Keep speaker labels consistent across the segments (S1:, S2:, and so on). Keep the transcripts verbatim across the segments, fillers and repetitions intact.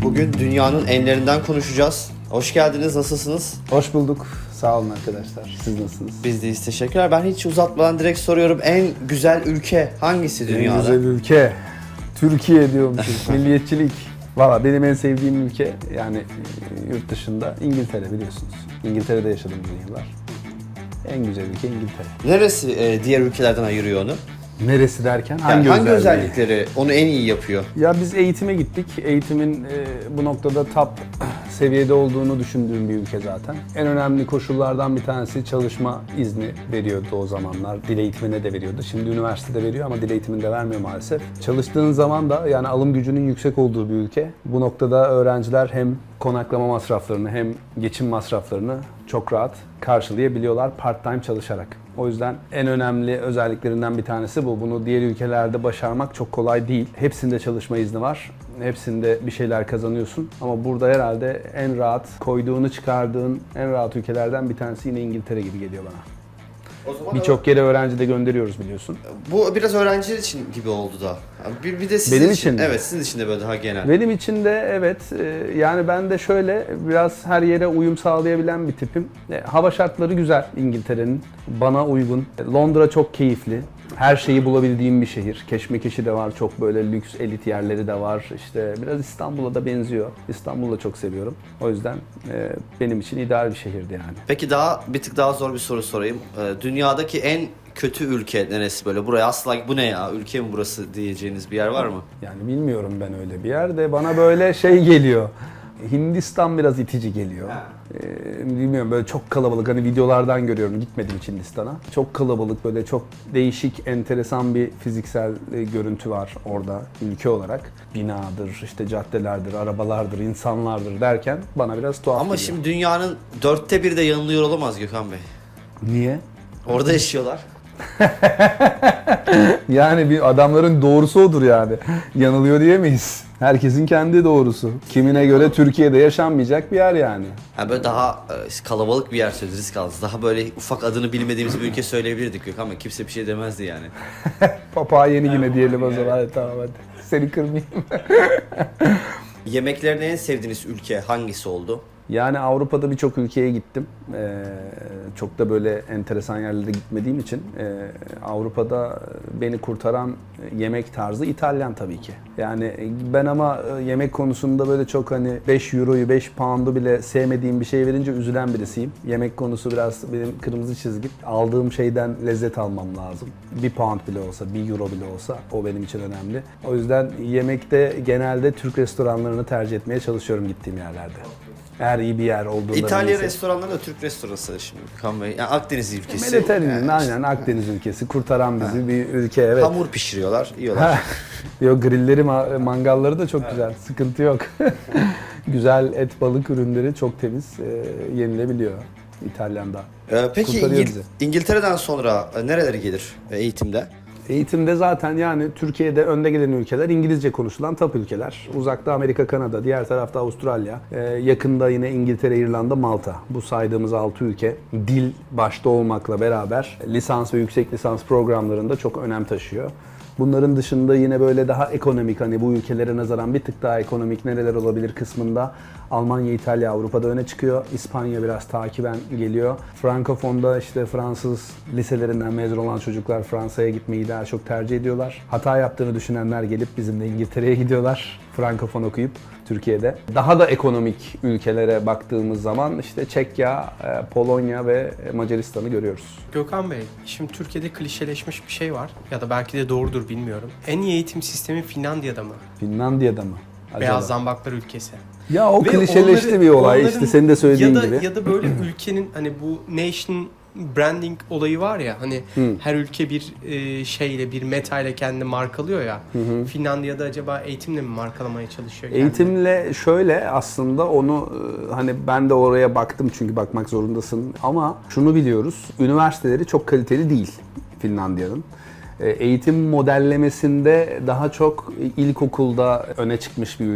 S1: Bugün dünyanın enlerinden konuşacağız. Hoş geldiniz, nasılsınız?
S2: Hoş bulduk. Sağ olun arkadaşlar. Siz nasılsınız?
S1: Biz deyiz, teşekkürler. Ben hiç uzatmadan direkt soruyorum. En güzel ülke hangisi dünyada?
S2: En güzel ülke. Türkiye diyormuşum. Milliyetçilik. Valla benim en sevdiğim ülke yani yurt dışında İngiltere biliyorsunuz. İngiltere'de yaşadım uzun yıllar. En güzel ülke İngiltere.
S1: Neresi e, diğer ülkelerden ayırıyor onu?
S2: Neresi derken?
S1: Yani
S2: Hangi,
S1: hangi
S2: özelliği?
S1: özellikleri onu en iyi yapıyor?
S2: Ya biz eğitime gittik. Eğitimin e, bu noktada top seviyede olduğunu düşündüğüm bir ülke zaten. En önemli koşullardan bir tanesi çalışma izni veriyordu o zamanlar. Dil eğitimine de veriyordu. Şimdi üniversitede veriyor ama dil eğitiminde vermiyor maalesef. Çalıştığın zaman da yani alım gücünün yüksek olduğu bir ülke. Bu noktada öğrenciler hem konaklama masraflarını hem geçim masraflarını çok rahat karşılayabiliyorlar part-time çalışarak. O yüzden en önemli özelliklerinden bir tanesi bu. Bunu diğer ülkelerde başarmak çok kolay değil. Hepsinde çalışma izni var. Hepsinde bir şeyler kazanıyorsun. Ama burada herhalde en rahat koyduğunu çıkardığın en rahat ülkelerden bir tanesi yine İngiltere gibi geliyor bana. Birçok yere öğrenci de gönderiyoruz biliyorsun.
S1: Bu biraz öğrenciler için gibi oldu da. Bir, bir de sizin
S2: Benim
S1: için,
S2: için mi?
S1: evet sizin için de böyle daha genel.
S2: Benim için de evet e, yani ben de şöyle biraz her yere uyum sağlayabilen bir tipim. E, Hava şartları güzel İngiltere'nin. Bana uygun. E, Londra çok keyifli. Her şeyi bulabildiğim bir şehir. Keşmekeşi de var. Çok böyle lüks elit yerleri de var. İşte biraz İstanbul'a da benziyor. İstanbul'u da çok seviyorum. O yüzden e, benim için ideal bir şehirdi yani.
S1: Peki daha bir tık daha zor bir soru sorayım. Ee, dünyadaki en kötü ülke neresi böyle? Buraya asla bu ne ya? Ülke mi burası diyeceğiniz bir yer var mı?
S2: Yani bilmiyorum ben öyle bir yerde. Bana böyle şey geliyor. Hindistan biraz itici geliyor. Ee, bilmiyorum böyle çok kalabalık hani videolardan görüyorum gitmedim hiç Hindistan'a. Çok kalabalık böyle çok değişik enteresan bir fiziksel e, görüntü var orada ülke olarak. Binadır, işte caddelerdir, arabalardır, insanlardır derken bana biraz tuhaf
S1: Ama
S2: geliyor.
S1: şimdi dünyanın dörtte biri de yanılıyor olamaz Gökhan Bey.
S2: Niye?
S1: Orada yaşıyorlar.
S2: Yani bir adamların doğrusu odur yani. Yanılıyor diyemeyiz. Herkesin kendi doğrusu. Kimine göre Türkiye'de yaşanmayacak bir yer yani.
S1: Yani böyle daha e, kalabalık bir yer söyledi, risk aldınız. Daha böyle ufak adını bilmediğimiz bir ülke söyleyebilirdik Gökhan Bey. Kimse bir şey demezdi yani.
S2: Papağan yeni yine diyelim o zaman. Hadi, tamam hadi. Seni kırmayayım.
S1: Yemeklerini en sevdiğiniz ülke hangisi oldu?
S2: Yani Avrupa'da birçok ülkeye gittim. Ee, çok da böyle enteresan yerlere gitmediğim için e, Avrupa'da beni kurtaran yemek tarzı İtalyan tabii ki. Yani ben ama yemek konusunda böyle çok hani beş euroyu beş pound'u bile sevmediğim bir şey verince üzülen birisiyim. Yemek konusu biraz benim kırmızı çizgim. Aldığım şeyden lezzet almam lazım. Bir pound bile olsa, bir euro bile olsa o benim için önemli. O yüzden yemekte genelde Türk restoranlarını tercih etmeye çalışıyorum gittiğim yerlerde. Eğer iyi bir yer olduğunda...
S1: İtalya
S2: neyse.
S1: restoranları da Türk restoranı şimdi Gökhan Bey. Yani Akdeniz ülkesi.
S2: Mediterranean,
S1: Yani
S2: aynen Akdeniz ülkesi. Kurtaran bizi ha. bir ülke evet.
S1: Hamur pişiriyorlar, yiyorlar.
S2: Yok grilleri, mangalları da çok evet. Güzel. Sıkıntı yok. Güzel et, balık ürünleri çok temiz e, yenilebiliyor İtalyan'da.
S1: Ee, peki İngil- İngiltere'den sonra e, nereleri gelir e, eğitimde?
S2: Eğitimde zaten yani Türkiye'de önde gelen ülkeler İngilizce konuşulan top ülkeler. Uzakta Amerika, Kanada, diğer tarafta Avustralya, ee, yakında yine İngiltere, İrlanda, Malta. Bu saydığımız altı ülke dil başta olmakla beraber lisans ve yüksek lisans programlarında çok önem taşıyor. Bunların dışında yine böyle daha ekonomik hani bu ülkelere nazaran bir tık daha ekonomik nereler olabilir kısmında Almanya, İtalya, Avrupa'da öne çıkıyor. İspanya biraz takiben geliyor. Frankofon'da işte Fransız liselerinden mezun olan çocuklar Fransa'ya gitmeyi daha çok tercih ediyorlar. Hata yaptığını düşünenler gelip bizimle İngiltere'ye gidiyorlar. Frankofon okuyup Türkiye'de. Daha da ekonomik ülkelere baktığımız zaman işte Çekya, Polonya ve Macaristan'ı görüyoruz.
S3: Gökhan Bey, şimdi Türkiye'de klişeleşmiş bir şey var ya da belki de doğrudur bilmiyorum. En iyi eğitim sistemi Finlandiya'da mı?
S2: Finlandiya'da mı? Acaba?
S3: Beyaz zambaklar ülkesi.
S2: Ya o
S3: Ve
S2: klişeleşti
S3: onları,
S2: bir olay
S3: onların,
S2: işte senin de söylediğin
S3: ya da,
S2: gibi.
S3: Ya da böyle ülkenin hani bu nation branding olayı var ya hani
S2: Hı.
S3: her ülke bir e, şeyle bir meta ile kendini markalıyor ya. Hı hı. Finlandiya'da acaba eğitimle mi markalamaya çalışıyor? Kendini?
S2: Eğitimle şöyle aslında onu hani ben de oraya baktım çünkü bakmak zorundasın ama şunu biliyoruz. Üniversiteleri çok kaliteli değil Finlandiya'nın. Eğitim modellemesinde daha çok ilkokulda öne çıkmış bir ülke.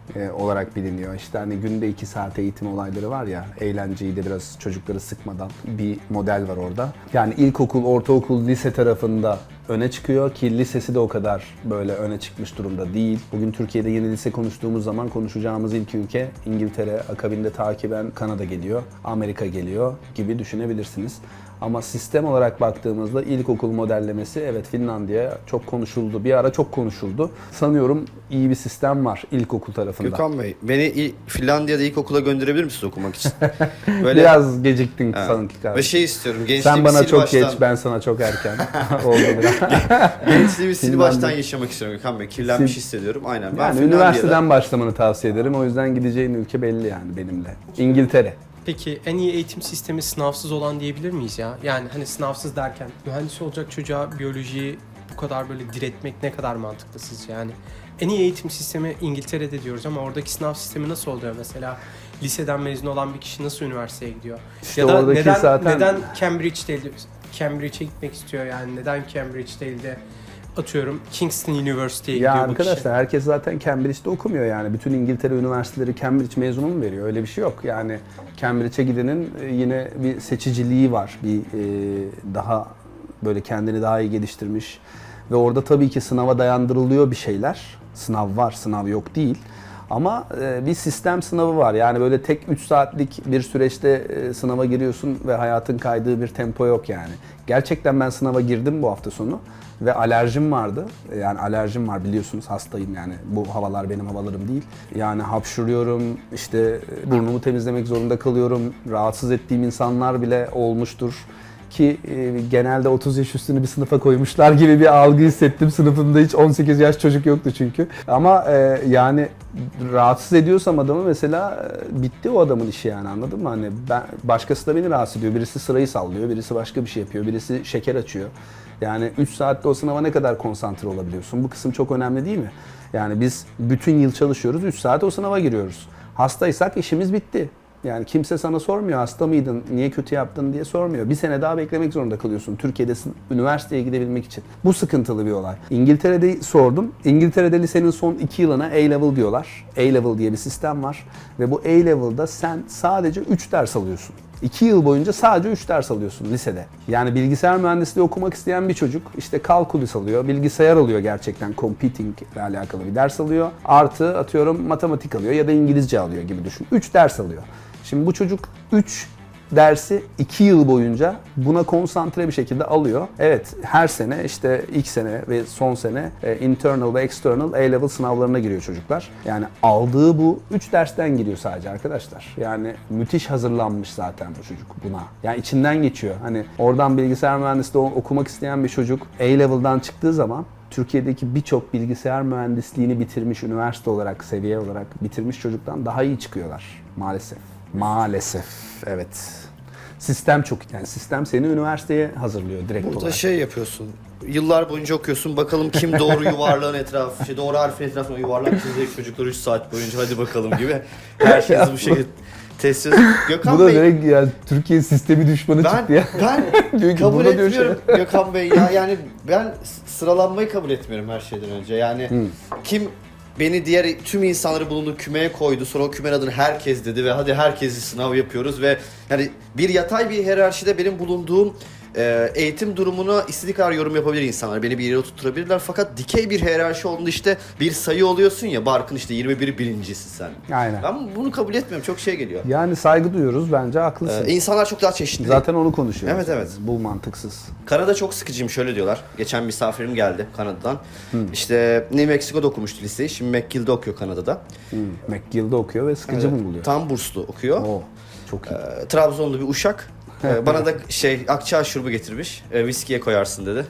S2: e, olarak biliniyor. İşte hani günde iki saat eğitim olayları var ya, eğlenceyi de biraz çocukları sıkmadan bir model var orada. Yani ilkokul, ortaokul, lise tarafında öne çıkıyor ki lisesi de o kadar böyle öne çıkmış durumda değil. Bugün Türkiye'de yeni lise konuştuğumuz zaman konuşacağımız ilk ülke İngiltere, akabinde takiben Kanada geliyor, Amerika geliyor gibi düşünebilirsiniz. Ama sistem olarak baktığımızda ilkokul modellemesi, evet, Finlandiya çok konuşuldu. Bir ara çok konuşuldu. Sanıyorum iyi bir sistem var ilkokul tarafında.
S1: Gökhan Bey, beni il- Finlandiya'da ilkokula gönderebilir misiniz okumak için? Böyle,
S2: Biraz geciktin
S1: evet.
S2: sanki
S1: Ve
S2: kardeşim.
S1: şey istiyorum, gençliğimi
S2: Sen bana
S1: sil
S2: çok
S1: baştan,
S2: geç, ben sana çok erken. Oldu biraz.
S1: gençliğimi sil
S2: Finlandiya.
S1: baştan yaşamak istiyorum Gökhan Bey. Kirlenmiş
S2: Sil-
S1: hissediyorum. Aynen. Ben
S2: Yani
S1: Finlandiya'da-
S2: üniversiteden başlamanı tavsiye ederim. O yüzden gideceğin ülke belli yani benimle. İngiltere.
S3: Peki en iyi eğitim sistemi sınavsız olan diyebilir miyiz ya? Yani hani sınavsız derken mühendis olacak çocuğa biyolojiyi bu kadar böyle diretmek ne kadar mantıklı sizce yani? En iyi eğitim sistemi İngiltere'de diyoruz ama oradaki sınav sistemi nasıl oluyor mesela? Liseden mezun olan bir kişi nasıl üniversiteye gidiyor?
S2: İşte
S3: ya da
S2: oradaki
S3: neden,
S2: zaten-
S3: neden Cambridge değil, Cambridge'e gitmek istiyor yani? Neden Cambridge değil de atıyorum Kingston University'ye
S2: Ya
S3: gidiyor bu kişi?
S2: arkadaşlar, herkes zaten Cambridge'de okumuyor yani. Bütün İngiltere üniversiteleri Cambridge mezunu mu veriyor? Öyle bir şey yok. Yani Cambridge'e gidenin e, yine bir seçiciliği var. Bir e, daha böyle kendini daha iyi geliştirmiş ve orada tabii ki sınava dayandırılıyor bir şeyler. Sınav var, sınav yok değil. Ama e, bir sistem sınavı var. Yani böyle tek üç saatlik bir süreçte e, sınava giriyorsun ve hayatın kaydığı bir tempo yok yani. Gerçekten ben sınava girdim bu hafta sonu ve alerjim vardı. E, Yani alerjim var, biliyorsunuz, hastayım yani. Bu havalar benim havalarım değil. Yani hapşuruyorum, işte e, burnumu temizlemek zorunda kalıyorum. Rahatsız ettiğim insanlar bile olmuştur. Ki e, genelde otuz yaş üstünü bir sınıfa koymuşlar gibi bir algı hissettim. Sınıfımda hiç on sekiz yaş çocuk yoktu çünkü. Ama e, yani rahatsız ediyorsam adamı mesela e, bitti o adamın işi yani, anladın mı? Hani ben, başkası da beni rahatsız ediyor. Birisi sırayı sallıyor, birisi başka bir şey yapıyor, birisi şeker açıyor. Yani üç saatte o sınava ne kadar konsantre olabiliyorsun? Bu kısım çok önemli değil mi? Yani biz bütün yıl çalışıyoruz, üç saat o sınava giriyoruz. Hastaysak işimiz bitti. Yani kimse sana sormuyor, hasta mıydın, niye kötü yaptın diye sormuyor. Bir sene daha beklemek zorunda kalıyorsun Türkiye'de üniversiteye gidebilmek için. Bu sıkıntılı bir olay. İngiltere'de sordum. İngiltere'de lisenin son iki yılına A-Level diyorlar. A-Level diye bir sistem var. Ve bu A-Level'da sen sadece üç ders alıyorsun. iki yıl boyunca sadece üç ders alıyorsun lisede. Yani bilgisayar mühendisliği okumak isteyen bir çocuk işte kalkulus alıyor, bilgisayar alıyor, gerçekten computing ile alakalı bir ders alıyor. Artı atıyorum matematik alıyor ya da İngilizce alıyor gibi düşün. üç ders alıyor. Şimdi bu çocuk üç dersi iki yıl boyunca buna konsantre bir şekilde alıyor. Evet, her sene işte ilk sene ve son sene e, internal ve external A-level sınavlarına giriyor çocuklar. Yani aldığı bu üç dersten giriyor sadece arkadaşlar. Yani müthiş hazırlanmış zaten bu çocuk buna. Yani içinden geçiyor. Hani oradan bilgisayar mühendisliği okumak isteyen bir çocuk A-level'dan çıktığı zaman Türkiye'deki birçok bilgisayar mühendisliğini bitirmiş, üniversite olarak, seviye olarak bitirmiş çocuktan daha iyi çıkıyorlar maalesef. Maalesef, evet. Sistem çok, yani sistem seni üniversiteye hazırlıyor direkt
S1: Burada
S2: olarak.
S1: şey yapıyorsun. Yıllar boyunca okuyorsun. Bakalım kim doğru yuvarlağın etrafı, şey doğru harfin etrafına yuvarlak çizecek çocuklar üç saat boyunca, hadi bakalım gibi. Herkes bu şekilde test ediyor. Gökhan
S2: Bu da
S1: Bey,
S2: direkt yani Türkiye sistemi düşmanı
S1: ben
S2: çıktı ya.
S1: ben
S2: Diyor ki,
S1: kabul
S2: burada diyor şey-
S1: etmiyorum Gökhan Bey ya. Yani ben sıralanmayı kabul etmiyorum her şeyden önce. Yani kim beni diğer tüm insanları bulunduğu kümeye koydu. Sonra o kümenin adını herkes dedi ve hadi herkesi sınav yapıyoruz ve yani bir yatay bir hiyerarşide benim bulunduğum e, eğitim durumuna istediği kadar yorum yapabilir insanlar. Beni bir yere oturtturabilirler. Fakat dikey bir hiyerarşi olduğunda işte bir sayı oluyorsun ya. Barkın işte yirmi bir birincisi sen.
S2: Aynen.
S1: Ben bunu kabul etmiyorum. Çok şey geliyor.
S2: Yani saygı duyuyoruz, bence haklısın.
S1: Ee, insanlar çok daha çeşitli.
S2: Zaten onu konuşuyoruz.
S1: Evet, evet.
S2: Bu mantıksız.
S1: Kanada çok sıkıcıyım, şöyle diyorlar. Geçen misafirim geldi Kanada'dan. İşte New Mexico'da okumuştu liseyi. Şimdi McGill'de okuyor Kanada'da.
S2: Hmm. McGill'de okuyor ve sıkıcı
S1: Evet,
S2: mı buluyor?
S1: Tam burslu okuyor.
S2: Oo, çok iyi.
S1: Ee, Trabzonlu bir uşak. Ee, bana da şey akçaağ şurubu getirmiş. Ee, viskiye koyarsın dedi.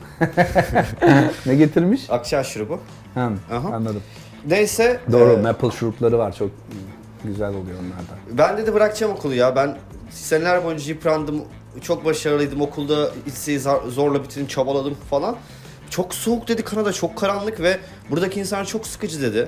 S2: Ne getirmiş?
S1: Akçaağ şurubu.
S2: Ha,
S1: Aha.
S2: anladım.
S1: Neyse.
S2: Doğru,
S1: e,
S2: maple şurupları var, çok güzel oluyor onlardan.
S1: ben dedi bırakacağım okulu ya. Ben seneler boyunca yıprandım. Çok başarılıydım okulda. Liseyi zar- zorla bitirdim, çabaladım falan. Çok soğuk dedi Kanada, çok karanlık ve buradaki insanlar çok sıkıcı dedi.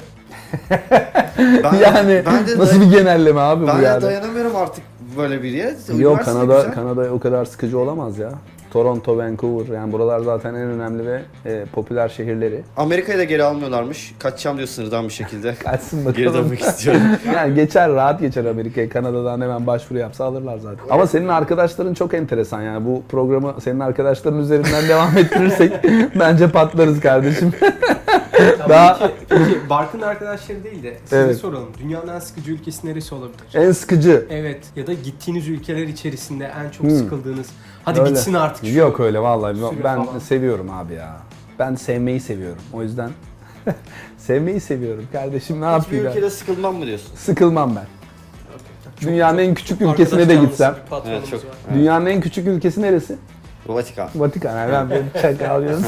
S1: Ben,
S2: Yani
S1: ben de
S2: nasıl
S1: day-
S2: bir genelleme abi
S1: ben
S2: bu
S1: de
S2: yani?
S1: dayanamıyorum artık böyle bir yere.
S2: Yok,
S1: Üniversite
S2: Kanada
S1: güzel.
S2: Kanada o kadar sıkıcı olamaz ya. Toronto, Vancouver, yani buralar zaten en önemli ve e, popüler şehirleri.
S1: Amerika'yı da geri almıyorlarmış. Kaçacağım diyor sınırdan bir şekilde.
S2: Kaçsın
S1: Geri
S2: bakalım.
S1: dönmek istiyorum.
S2: Yani geçer, rahat geçer Amerika'ya. Kanada'dan hemen başvuru yapsa alırlar zaten. Ama senin arkadaşların çok enteresan yani. Bu programı senin arkadaşların üzerinden devam ettirirsek bence patlarız kardeşim. Daha-
S3: Peki, peki Barkın arkadaşları değil de size
S2: Evet.
S3: soralım. Dünyanın en sıkıcı ülkesi neresi olabilir?
S2: En sıkıcı.
S3: Evet, ya da gittiğiniz ülkeler içerisinde en çok
S2: Hmm.
S3: sıkıldığınız. Hadi
S2: Öyle.
S3: gitsin artık şu.
S2: Yok öyle vallahi.
S3: Süre
S2: Ben
S3: falan.
S2: seviyorum abi ya. Ben sevmeyi seviyorum. O yüzden sevmeyi seviyorum kardeşim. Ne
S1: Hiçbir
S2: yapayım? ben?
S1: ülkede sıkılmam mı diyorsun?
S2: Sıkılmam ben.
S3: Çok
S2: Dünyanın
S3: güzel.
S2: en küçük
S3: Arkadaş
S2: ülkesine de
S3: canlısı
S2: gitsem.
S3: bir patronumuz
S1: Evet, çok-
S3: var.
S1: Evet.
S2: Dünyanın en küçük ülkesi neresi?
S1: Vatikan.
S2: Vatikan. Yani ben bir şaka alıyorum.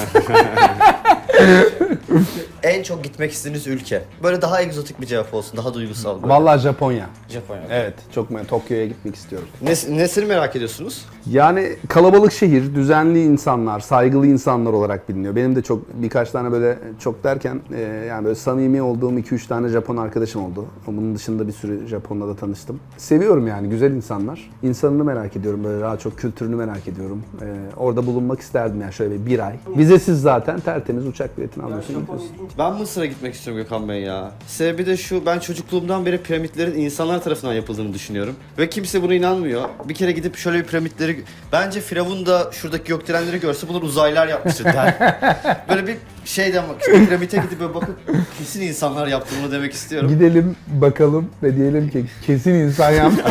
S1: En çok gitmek istediğiniz ülke. Böyle daha egzotik bir cevap olsun, daha duygusal. Böyle.
S2: Vallahi Japonya.
S1: Japonya.
S2: Evet, çok me- Tokyo'ya gitmek istiyorum.
S1: Ne, nesini merak ediyorsunuz?
S2: Yani kalabalık şehir, düzenli insanlar, saygılı insanlar olarak biliniyor. Benim de çok birkaç tane böyle çok derken e, yani böyle samimi olduğum iki üç tane Japon arkadaşım oldu. Bunun dışında bir sürü Japonla da tanıştım. Seviyorum yani, güzel insanlar. İnsanını merak ediyorum, böyle daha çok kültürünü merak ediyorum. E, orada bulunmak isterdim yani şöyle bir, bir ay. Vizesiz zaten, tertemiz uçak biletini alıyorsun, gidiyorsun.
S1: Ben Mısır'a gitmek istiyorum Gökhan Bey ya. Sebebi de şu, ben çocukluğumdan beri piramitlerin insanlar tarafından yapıldığını düşünüyorum. Ve kimse buna inanmıyor. Bir kere gidip şöyle bir piramitleri... Bence Firavun da şuradaki gökdelenleri görse bunlar uzaylılar yapmıştır der. Böyle bir şeyden bak, şu piramite gidip böyle bakıp kesin insanlar yaptı bunu demek istiyorum.
S2: Gidelim bakalım ve diyelim ki kesin insan yaptı.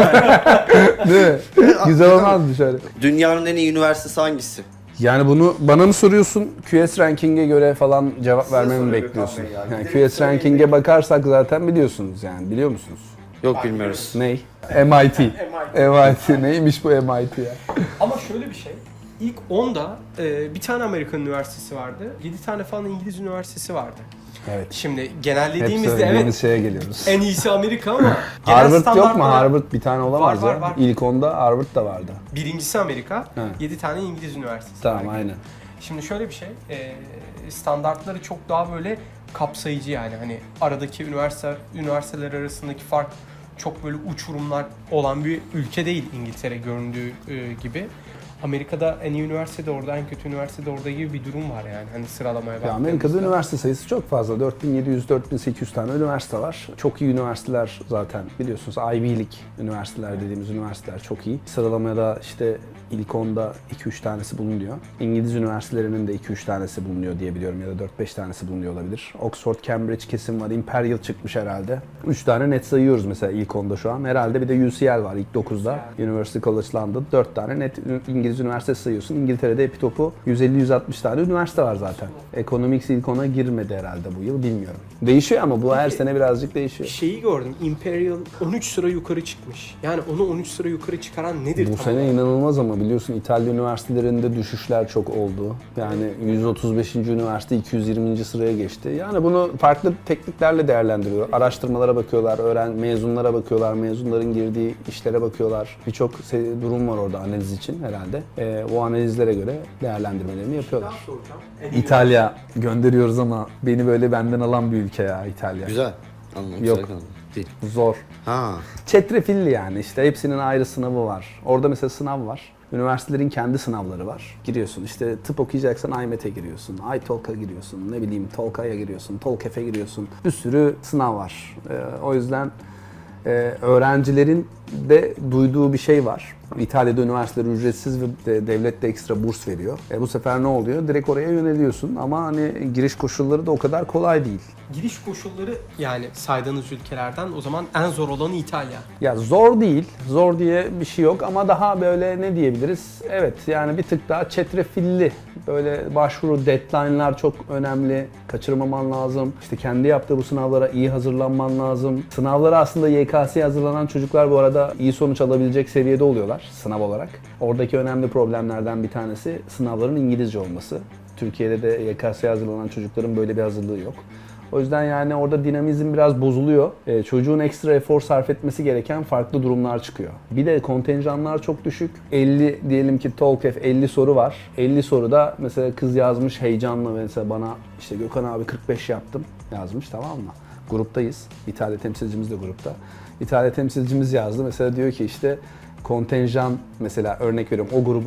S2: Değil mi? Güzel olmazdı şöyle.
S1: Dünyanın en iyi üniversitesi hangisi?
S2: Yani bunu bana mı soruyorsun? Q S ranking'e göre falan cevap
S1: Size
S2: vermemi mi
S1: soruyorum
S2: bekliyorsun?
S1: Gökhan Bey ya.
S2: Yani
S1: Gidelim
S2: Q S ranking'e
S1: söyleyin.
S2: bakarsak zaten biliyorsunuz yani, biliyor musunuz?
S1: Yok bilmiyoruz.
S2: Ney? M I T. M I T neymiş bu M I T ya?
S3: Ama şöyle bir şey. İlk onda e, bir tane Amerikan üniversitesi vardı. yedi tane falan İngiliz üniversitesi vardı.
S2: Evet.
S3: Şimdi
S2: Hep
S3: genellediğimizde
S2: söylediğimiz
S3: evet
S2: şeye geliyoruz.
S3: en iyisi Amerika ama genel
S2: Harvard yok mu?
S3: standartlara-
S2: Harvard bir tane olamaz
S3: Var, var,
S2: ya.
S3: var.
S2: İlk onda Harvard da vardı.
S3: Birincisi Amerika,
S2: He.
S3: yedi tane İngiliz üniversitesi
S2: Tamam,
S3: var.
S2: aynen.
S3: Şimdi şöyle bir şey, e, standartları çok daha böyle kapsayıcı yani hani aradaki üniversite üniversiteler arasındaki fark çok böyle uçurumlar olan bir ülke değil İngiltere göründüğü e, gibi. Amerika'da en iyi üniversite de orada, en kötü üniversite de orada gibi bir durum var yani hani sıralamaya
S2: Ya
S3: baktığımızda.
S2: Amerika'da üniversite sayısı çok fazla. dört bin yedi yüz dört bin sekiz yüz tane üniversite var. Çok iyi üniversiteler zaten biliyorsunuz. Ivy League üniversiteler dediğimiz üniversiteler çok iyi. Sıralamada işte ilk onda iki üç tanesi bulunuyor. İngiliz üniversitelerinin de iki üç tanesi bulunuyor diye biliyorum ya da dört beş tanesi bulunuyor olabilir. Oxford, Cambridge kesin var. Imperial çıkmış herhalde. üç tane net sayıyoruz mesela ilk onda şu an. Herhalde bir de U C L var ilk dokuzda. University College London. dört tane net İngiliz üniversitesi sayıyorsun. İngiltere'de epi topu yüz elli yüz altmış tane üniversite var zaten. Economics ilk ona girmedi herhalde bu yıl, bilmiyorum. Değişiyor ama bu her sene birazcık değişiyor.
S3: Şeyi gördüm, Imperial on üç sıra yukarı çıkmış. Yani onu on üç sıra yukarı çıkaran nedir
S2: Bu
S3: tam
S2: sene
S3: olarak?
S2: inanılmaz ama biliyorsun İtalya üniversitelerinde düşüşler çok oldu. Yani yüz otuz beşinci üniversite iki yüz yirminci sıraya geçti. Yani bunu farklı tekniklerle değerlendiriyor. Araştırmalara bakıyorlar, öğren mezunlara bakıyorlar, mezunların girdiği işlere bakıyorlar. Birçok se- durum var orada analiz için herhalde. Ee, o analizlere göre değerlendirmelerini yapıyorlar.
S3: Daha soracağım. En iyi
S2: İtalya gönderiyoruz ama beni böyle benden alan bir ülke ya İtalya.
S1: Güzel. Anladım.
S2: Yok.
S1: güzel anladım. Değil.
S2: Zor.
S1: Ha.
S2: Çetrefilli yani, işte hepsinin ayrı sınavı var. Orada mesela sınav var. Üniversitelerin kendi sınavları var. Giriyorsun işte tıp okuyacaksan I M E T'e giriyorsun, iTalk'a giriyorsun, ne bileyim Tolka'ya giriyorsun, Tolkef'e giriyorsun. Bir sürü sınav var. Ee, o yüzden e, öğrencilerin de duyduğu bir şey var. İtalya'da üniversiteler ücretsiz ve de, devlet de ekstra burs veriyor. E, bu sefer ne oluyor? Direkt oraya yöneliyorsun ama hani giriş koşulları da o kadar kolay değil.
S3: Giriş koşulları yani saydığınız ülkelerden o zaman en zor olanı İtalya.
S2: Ya zor değil, zor diye bir şey yok ama daha böyle ne diyebiliriz? Evet yani bir tık daha çetrefilli. Böyle başvuru deadline'lar çok önemli. Kaçırmaman lazım. İşte kendi yaptığı bu sınavlara iyi hazırlanman lazım. Sınavlara aslında Y K S'ye hazırlanan çocuklar bu arada iyi sonuç alabilecek seviyede oluyorlar sınav olarak. Oradaki önemli problemlerden bir tanesi sınavların İngilizce olması. Türkiye'de de Y K S'ye hazırlanan çocukların böyle bir hazırlığı yok. O yüzden yani orada dinamizm biraz bozuluyor. Ee, çocuğun ekstra efor sarf etmesi gereken farklı durumlar çıkıyor. Bir de kontenjanlar çok düşük. elli diyelim ki TOEFL elli soru var. elli soruda mesela kız yazmış heyecanla mesela bana işte Gökhan abi kırk beş yaptım yazmış, tamam mı? Gruptayız. İtalya temsilcimiz de grupta. İtalya temsilcimiz yazdı. Mesela diyor ki işte kontenjan mesela örnek veriyorum o grubun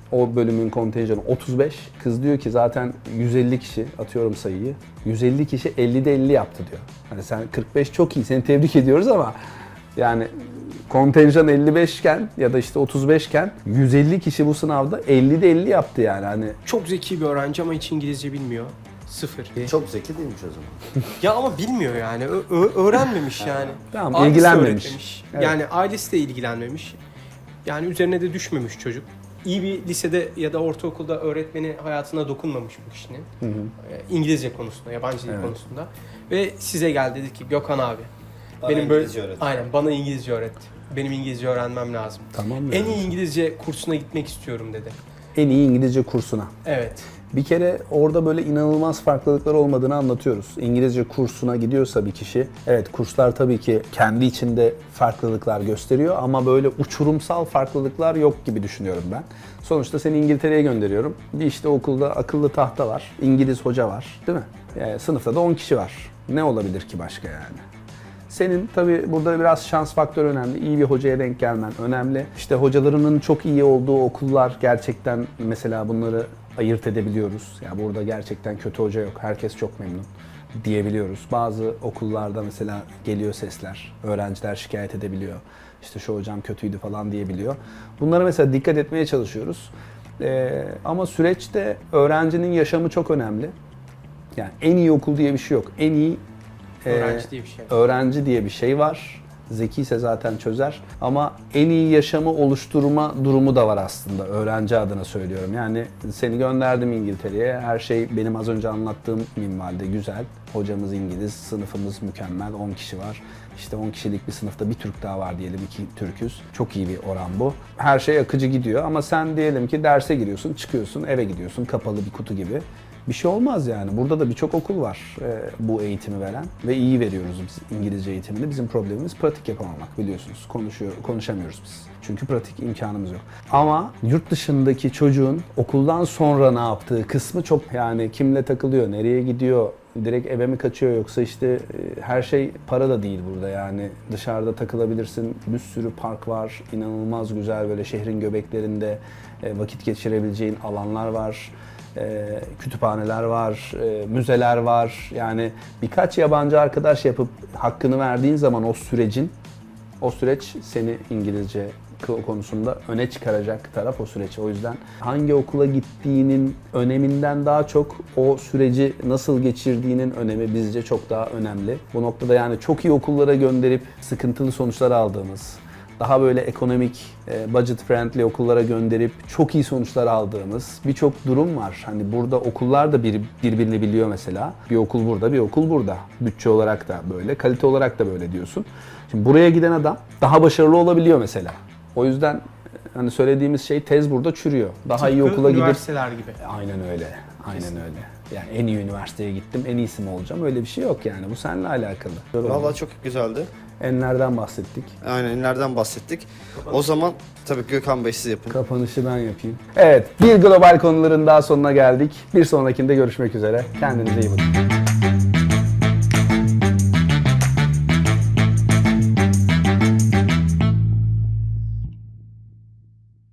S2: O bölümün kontenjanı otuz beş. Kız diyor ki zaten yüz elli kişi, atıyorum sayıyı. yüz elli kişi ellide elli yaptı diyor. Hani sen kırk beş çok iyi, seni tebrik ediyoruz ama yani kontenjan elli beş iken ya da işte otuz beş iken yüz elli kişi bu sınavda ellide elli yaptı yani. Hani
S3: Çok zeki bir öğrenci ama hiç İngilizce bilmiyor. Sıfır.
S1: Çok zeki değilmiş o zaman.
S3: Ya ama bilmiyor yani. Ö- ö- öğrenmemiş yani.
S2: Tamam,
S3: Ailesi
S2: ilgilenmemiş.
S3: öğretmemiş.
S2: Evet.
S3: Yani ailesi de ilgilenmemiş. Yani üzerine de düşmemiş çocuk. İyi bir lisede ya da ortaokulda öğretmeni hayatına dokunmamış bu kişinin.
S2: Hı hı.
S3: Ee, İngilizce konusunda, yabancı dil
S2: Evet.
S3: konusunda. Ve size geldi dedi ki Gökhan abi.
S1: Bana
S3: benim böyle
S1: İngilizce öğret.
S3: aynen bana İngilizce öğret. Benim İngilizce öğrenmem lazım.
S2: Tamam
S3: En
S2: yani.
S3: iyi İngilizce kursuna gitmek istiyorum dedi.
S2: En iyi İngilizce kursuna.
S3: Evet.
S2: Bir kere orada böyle inanılmaz farklılıklar olmadığını anlatıyoruz. İngilizce kursuna gidiyorsa bir kişi, evet kurslar tabii ki kendi içinde farklılıklar gösteriyor ama böyle uçurumsal farklılıklar yok gibi düşünüyorum ben. Sonuçta seni İngiltere'ye gönderiyorum. Bir işte okulda akıllı tahta var, İngiliz hoca var, değil mi? Yani sınıfta da on kişi var. Ne olabilir ki başka yani? Senin tabii burada biraz şans faktörü önemli. İyi bir hocaya denk gelmen önemli. İşte hocalarının çok iyi olduğu okullar gerçekten mesela bunları ayırt edebiliyoruz. Ya burada gerçekten kötü hoca yok. Herkes çok memnun diyebiliyoruz. Bazı okullarda mesela geliyor sesler. Öğrenciler şikayet edebiliyor. İşte şu hocam kötüydü falan diyebiliyor. Bunlara mesela dikkat etmeye çalışıyoruz. Ee, ama süreçte öğrencinin yaşamı çok önemli. Yani en iyi okul diye bir şey yok. En iyi
S3: Öğrenci diye bir şey.
S2: öğrenci diye bir şey var. Zeki ise zaten çözer. Ama en iyi yaşamı oluşturma durumu da var aslında. Öğrenci adına söylüyorum. Yani seni gönderdim İngiltere'ye. Her şey benim az önce anlattığım minvalde güzel. Hocamız İngiliz, sınıfımız mükemmel. on kişi var. İşte on kişilik bir sınıfta bir Türk daha var diyelim, iki Türküz. Çok iyi bir oran bu. Her şey akıcı gidiyor ama sen diyelim ki derse giriyorsun, çıkıyorsun, eve gidiyorsun kapalı bir kutu gibi. Bir şey olmaz yani. Burada da birçok okul var e, bu eğitimi veren ve iyi veriyoruz biz İngilizce eğitimini. Bizim problemimiz pratik yapamamak biliyorsunuz. Konuşuyor, konuşamıyoruz biz. Çünkü pratik imkanımız yok. Ama yurt dışındaki çocuğun okuldan sonra ne yaptığı kısmı çok yani kimle takılıyor, nereye gidiyor, direkt eve mi kaçıyor yoksa işte e, her şey para da değil burada yani. Dışarıda takılabilirsin. Bir sürü park var. İnanılmaz güzel böyle şehrin göbeklerinde e, vakit geçirebileceğin alanlar var. E, kütüphaneler var, e, müzeler var. Yani birkaç yabancı arkadaş yapıp hakkını verdiğin zaman o sürecin, o süreç seni İngilizce konusunda öne çıkaracak taraf o süreç. O yüzden hangi okula gittiğinin öneminden daha çok o süreci nasıl geçirdiğinin önemi bizce çok daha önemli. Bu noktada yani çok iyi okullara gönderip sıkıntılı sonuçlar aldığımız, daha böyle ekonomik, budget friendly okullara gönderip çok iyi sonuçlar aldığımız birçok durum var. Hani burada okullar da bir, birbirini biliyor mesela. Bir okul burada, bir okul burada. Bütçe olarak da böyle, kalite olarak da böyle diyorsun. Şimdi buraya giden adam daha başarılı olabiliyor mesela. O yüzden hani söylediğimiz şey tez burada çürüyor. Daha iyi
S3: Tıpkı
S2: okula gidip...
S3: üniversiteler gibi.
S2: Aynen öyle. Aynen öyle. Yani en iyi üniversiteye gittim, en iyisi mi olacağım? Öyle bir şey yok yani. Bu seninle alakalı.
S1: Vallahi çok güzeldi.
S2: Enlerden bahsettik.
S1: Aynen nereden bahsettik. O zaman tabii Gökhan Bey siz yapın.
S2: Kapanışı ben yapayım. Evet, bir global konuların daha sonuna geldik. Bir sonrakinde görüşmek üzere. Kendinize iyi bakın.